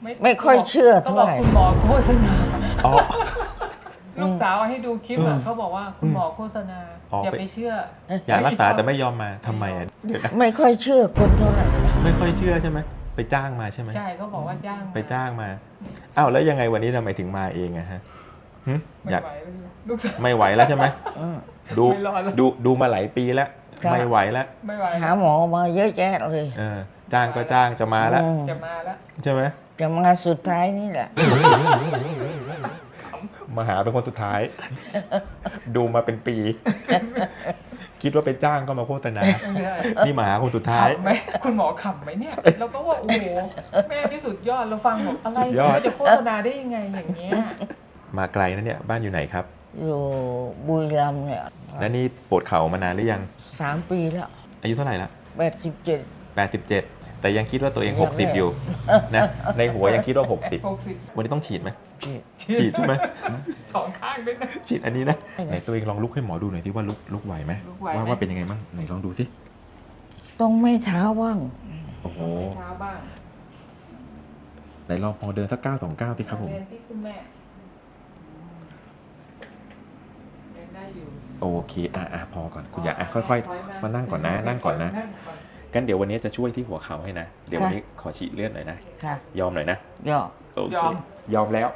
ไม่ค่อยเชื่อก็เท่าบอกไหร่คุณหมอโฆษณาอ๋อลูกสาวให้ดูคลิปอ่ะเขาบอกว่าคุณหมอโฆษณาอ๋อออย่าไปเชื่ออยากรักษาแต่ไม่ยอมมาทำไมอ่ะเดี๋ยวนะไม่ค่อยเชื่อคนเท่าไหร่ไม่ค่อยเชื่อใช่ไหมไปจ้างมาใช่ไหมใช่เขาบอกว่าจ้างไปจ้างมาอ้าวแล้วยังไงวันนี้ทำไมถึงมาเองอะฮะหึไม่อยากไหวลูกสาวไม่ไหวแล้วใช่ไหมอืมดูไม่รอดแล้วดูมาหลายปีแล้วครับไม่ไหวแล้วไม่ไหวหาหมอมาเยอะแยะเลยจ้างก็จ้างจะมาแล้วอืมจะมาแล้วใช่ไหมจะมาสุดท้ายนี่แหละมาหาเป็นคนสุดท้าย ดูมาเป็นปี คิดว่าไปจ้างก็มาโฆษณาไม่ได้นี่มาหาคนสุดท้ายขำไหมคุณหมอขำไหมเนี่ยเราก็ว่าโอ้โหแม่ที่สุดยอดเราฟังบอกอะไรสุดยอดจะโฆษณาได้ยังไงอย่างเงี้ยมาไกลนะเนี่ยบ้านอยู่ไหนครับอยู่บุรีรัมย์เนี่ยและนี่ปวดเข่ามานานหรือยัง 3 ปีแล้วอายุเท่าไหร่ละ 87 87 แต่ยังคิดว่าตัวเองยังไม่ 60 อยู่นะในหัวยังคิดว่า 60 60 วันนี้ต้องฉีดไหมที่ฉีดใช่ไหมสองข้างด้วยนะฉีดอันนี้นะไหนตัวเองลองลุกให้หมอดูหน่อยสิว่าลุกไหวไหมลุกไหวไหมว่าเป็นยังไงบ้างไหนลองดูสิต้องไม่เท้าว่างโอ้โหเท้าบ้างไหนลองพอเดินสัก9 2 9สิครับผมเรียนที่คุณแม่เรียนได้อยู่โอเคพอก่อนคุณอย่าค่อยๆมานั่งก่อนนะนั่งก่อนนะกันเดี๋ยววันนี้จะช่วยที่หัวเข่าให้นะเดี๋ยววันนี้ขอฉีดเลือดหน่อยนะค่ะยอมหน่อยนะย่อโอเคยอมแล้ว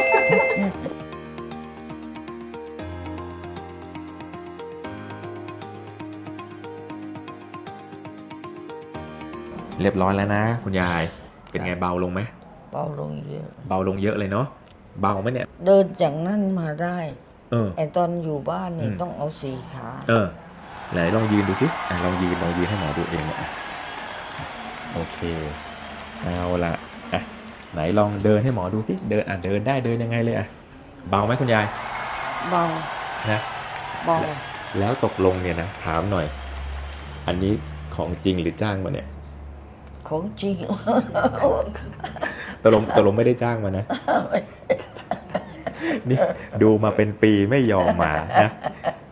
เรียบร้อยแล้วนะ คุณยาย เป็นไงเบาลงไหมเบาลงเยอะเบาลงเยอะเลยเนาะเบาไหมเนี่ยเดินจากนั่นมาได้เออไอตอนอยู่บ้านนี่อืมต้องเอา4 ขาไหนลองยืนดูสิลองยืนให้หมอดูเองเนี่ยโอเคเอาละไหนลองเดินให้หมอดูสิเดินเดินได้เดินยังไงเลยเบาไหมคุณยายเบานะเบาแล้วตกลงเนี่ยนะถามหน่อย อันนี้ของจริงหรือจ้างมาเนี่ยของจริงตกลงไม่ได้จ้างมานะ นี่ดูมาเป็นปีไม่ยอมมานะ